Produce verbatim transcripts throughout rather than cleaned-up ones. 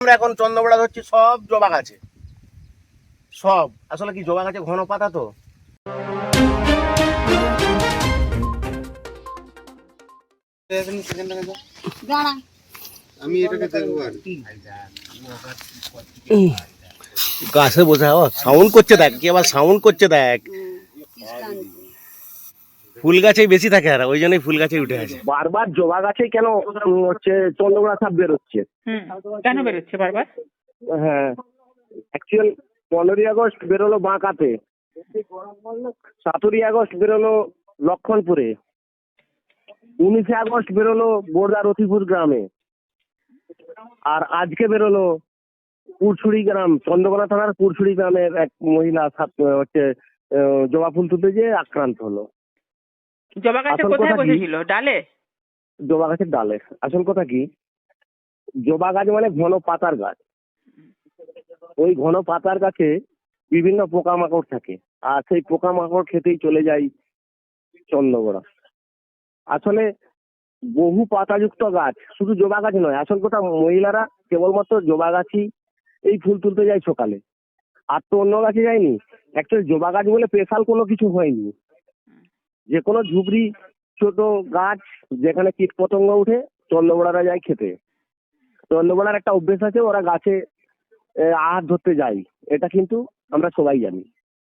আমরা এখন চন্দ্রবড়া ধরছি সব জবা গাছে, সব আসলে কি জবা গাছে ঘন পাতা তো আমি এটাকে দেখবো আর কি গাছে বসে সাউন্ড করছে দেখ, কি আবার সাউন্ড করছে দেখ। ফুল গাছেই বেশি থাকে আর ওই জন্যই ফুল গাছে উঠে আছে। বারবার জবা গাছে কেন হচ্ছে চন্দ্রবড়া সাপ বেরোচ্ছে? কেন বেরোচ্ছে বারবার? হ্যাঁ, অ্যাকচুয়াল পনেরোই আগস্ট বেরোলো বাঁকাতে, সতেরোই আগস্ট বেরোলো লক্ষণপুরে, উনিশে আগস্ট বেরোলো বোরদা রতিপুর গ্রামে, আর আজকে বেরোলো পুরছুড়ি গ্রাম, চন্দ্রকোনা থানার পুরছুড়ি গ্রামের এক মহিলা হচ্ছে জবা ফুল তুলতে যেয়ে আক্রান্ত হলো। জবা গাছে কোথায় বসেছিল? ডালে? জবা গাছের ডালে। আসল কথা কি, জবা গাছ মানে ঘন পাতার গাছ, ওই ঘন পাতার গাছে বিভিন্ন পোকামাকড় থাকে, আর সেই পোকামাকড় খেতেই চলে যায় চন্দ্রবড়া। আসলে বহু পাতাযুক্ত গাছ, শুধু জবা গাছ নয়, আসল কথা মহিলারা কেবলমাত্র জবা গাছই এই ফুল তুলতে যায় সকালে, আর তো অন্য গাছে যায়নি। অ্যাকচুয়ালি জবা গাছ বলে স্পেশাল কোনো কিছু হয়নি, যে কোনো ঝুপড়ি ছোট গাছ যেখানে কীট পতঙ্গ উঠে চন্দ্রবড়ারা যায় খেতে। চন্দ্রবড়ার একটা অভ্যেস আছে, ওরা গাছে আহার ধরতে যায়, এটা কিন্তু আমরা সবাই জানি।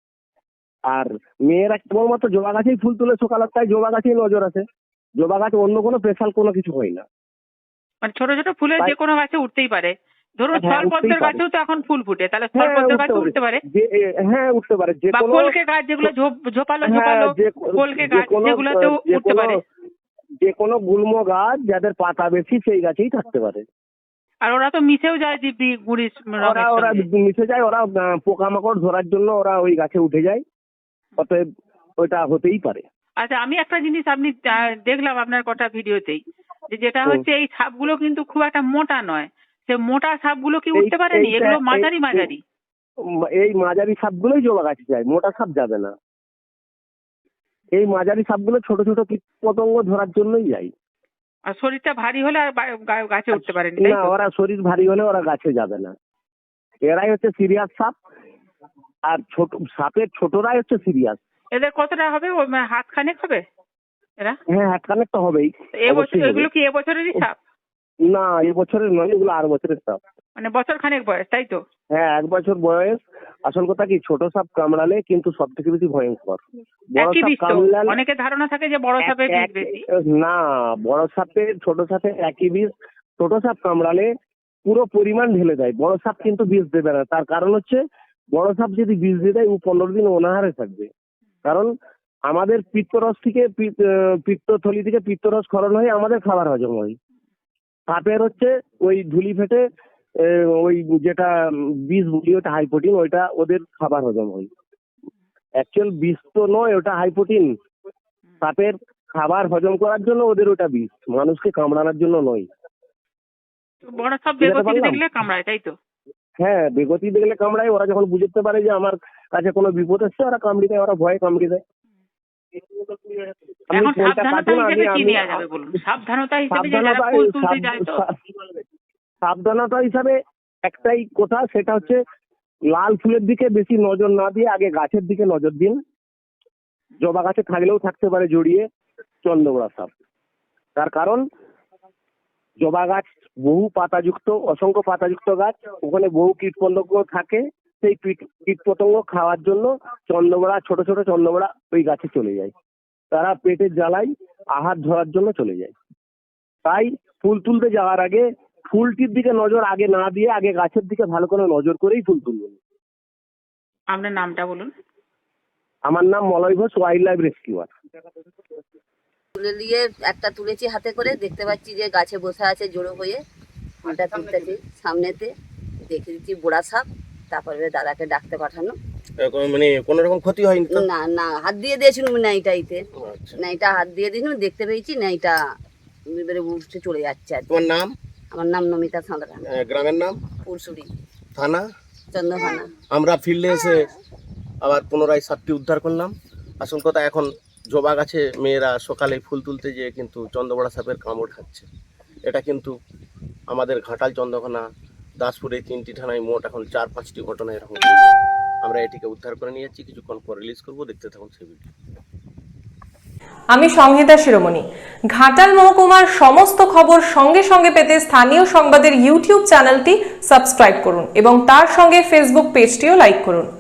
আর মেয়েরা কেবলমাত্র জবা গাছেই ফুল তুলে সকালে, তাই জবা গাছেই নজর আছে, জবা গাছ অন্য কোনো স্পেশাল কোনো কিছু হয় না। মানে ছোট ছোট ফুলের যে কোনো গাছে উঠতেই পারে, ধরুন স্থলপদ্মের গাছেও তো এখন ফুল ফুটে, তাহলে স্থলপদ্মের গাছে উঠতে পারে। হ্যাঁ উঠতে পারে, যে কোনো কলকে গাছ যেগুলো ঝোপালো ঝোপালো কলকে গাছ যেগুলোতেও উঠতে পারে। যে কোনো গুল্ম গাছ যাদের পাতা বেশি সেই গাছেই থাকতে পারে। আর ওরা তো মিশেও যায় দিব্যি গুড়ির ওরা ওরা মিশে যায়, ওরা পোকামাকড় ধরার জন্য ওরা ওই গাছে উঠে যায়, অতএব ওইটা হতেই পারে। আচ্ছা, আমি একটা জিনিস আপনি দেখলাম আপনার কটা ভিডিওতেই, যে যেটা হচ্ছে এই সাপগুলো কিন্তু খুব একটা মোটা নয়, সে মোটা সাপগুলো কি উঠতে পারেনি? এগুলো মাঝারি মাঝারি এই মাঝারি সাপগুলোই জবা গাছে যায়, মোটা সাপ যাবে না। এই মাঝারি সাপগুলো ছোট ছোট কীট পতঙ্গ ধরার জন্যই যায়। আর শরীরটা ভারী হলে আর গাছে উঠতে পারেনি না, ওরা শরীর ভারী হলে ওরা গাছে যাবে না। এরাই হচ্ছে সিরিয়াস সাপ, আর ছোট সাপের ছোটরাই হচ্ছে সিরিয়াস। এদের কতটা হবে? হাত খানেক হবে এরা? হ্যাঁ, হাত খানেক তো হবেই। এগুলো কি এবছরেরই সাপ? না, এবছরের নয়, এগুলো আর বছরের সাপ। মানে বছর খানেক বয়স, তাই তো? হ্যাঁ, এক বছর বয়স। আসল কথা কি, ছোট সাপ কামড়ালে কিন্তু সব থেকে বেশি ভয়ঙ্কর। বড় সাপ কামড়ালে অনেকের ধারণা থাকে যে বড় সাপের বিষ বেশি। না, বড় সাপের ছোট সাপের একই বিষ। ছোট সাপ কামড়ালে পুরো পরিমাণ ঢেলে দেয়, বড় সাপ কিন্তু বিষ দেবে না। তার কারণ হচ্ছে, বড় সাপ যদি বিষ দিয়ে দেয় ও পনেরো দিন অনাহারে থাকবে। কারণ আমাদের পিত্তরস থেকে পিত্তথলি থেকে পিত্তরস ক্ষরণ হয়ে আমাদের খাবার হজম হয়। সাপের হচ্ছে ওই ধুলি ফেটে ওই যেটা বিষ বলি ওটা হাই প্রোটিন, ওইটা ওদের খাবার হজম হয়। অ্যাকচুয়াল বিষ তো নয়, ওটা হাই প্রোটিন। সাপের খাবার হজম করার জন্য ওদের ওটা বিষ, মানুষকে কামড়ানোর জন্য নয়। বড় সাপ বেগতি দেখলে কামড়ায়, তাই তো? হ্যাঁ, বেগতি দেখলে কামড়ায়। ওরা যখন বুঝতে পারে যে আমার কাছে কোনো বিপদ এসছে, ওরা কামড়ি দেয়, ওরা ভয়ে কামড়ি দেয়। সাবধানতা হিসাবে একটাই কথা, সেটা হচ্ছে লাল ফুলের দিকে বেশি নজর না দিয়ে আগে গাছের দিকে নজর দিন। জবা গাছে থাকলেও থাকতে পারে জড়িয়ে চন্দ্রবড়া সাপ। তার কারণ জবা গাছ বহু পাতাযুক্ত, অসংখ্য পাতাযুক্ত গাছ, ওখানে বহু কীট পতঙ্গ থাকে। সেই কীট পতঙ্গ খাওয়ার জন্য চন্দ্রবড়া, ছোট ছোট চন্দ্রবড়া ওই গাছে চলে যায়, তারা পেটের জ্বালায় আহার ধরার জন্য চলে যায়। তাই ফুল তুলতে যাওয়ার আগে ফুলটির দিকে নজর আগে না দিয়ে আগে গাছের দিকে ভালো করে নজর করেই ফুল তুলবেন। আপনার নামটা বলুন। আমার নাম Malay Ghosh, wild life rescuer. তুলে নিয়ে একটা তুলেছি হাতে করে, দেখতে পাচ্ছি যে গাছে বসে আছে জড়ো হয়ে, ফুলটা তুলতেছি সামনেতে, দেখে দিচ্ছি বোড়া সাপ। তারপরে দাদাকে ডাকতে পাঠানো। মানে কোনো রকম ক্ষতি হয়নি? না না, হাত দিয়ে দিয়েছিলাম নাইটাইতে, নাইটা হাত দিয়ে দিয়েছিলাম, দেখতে পেয়েছি নাইটা এবারে উঠে চলে যাচ্ছে। আর তোমার নাম? আমার নাম নমিতা সাঁতরা। গ্রামের নাম? পুরসুরি থানা চন্দ্রখানা। আমরা ফিল্ডে এসে আবার পুনরায় সাপটি উদ্ধার করলাম। আসল কথা, এখন জবা গাছে মেয়েরা সকালে ফুল তুলতে যেয়ে কিন্তু চন্দ্রবড়া সাপের কামড় খাচ্ছে। এটা কিন্তু আমাদের ঘাটাল চন্দ্রখানা দাসপুরে তিনটি থানায় মোট এখন চার পাঁচটি ঘটনা এরকম হয়েছে। আমরা এটিকে উদ্ধার করে নিয়ে যাচ্ছি, কিছুক্ষণ পর রিলিজ করবো, দেখতে থাকুন সেই ভিডিও। আমি সংহিতা শিরোমণি। ঘাটাল মহকুমার সমস্ত খবর সঙ্গে সঙ্গে পেতে স্থানীয় সংবাদের ইউটিউব চ্যানেলটি সাবস্ক্রাইব করুন এবং তার সঙ্গে ফেসবুক পেজটিও লাইক করুন।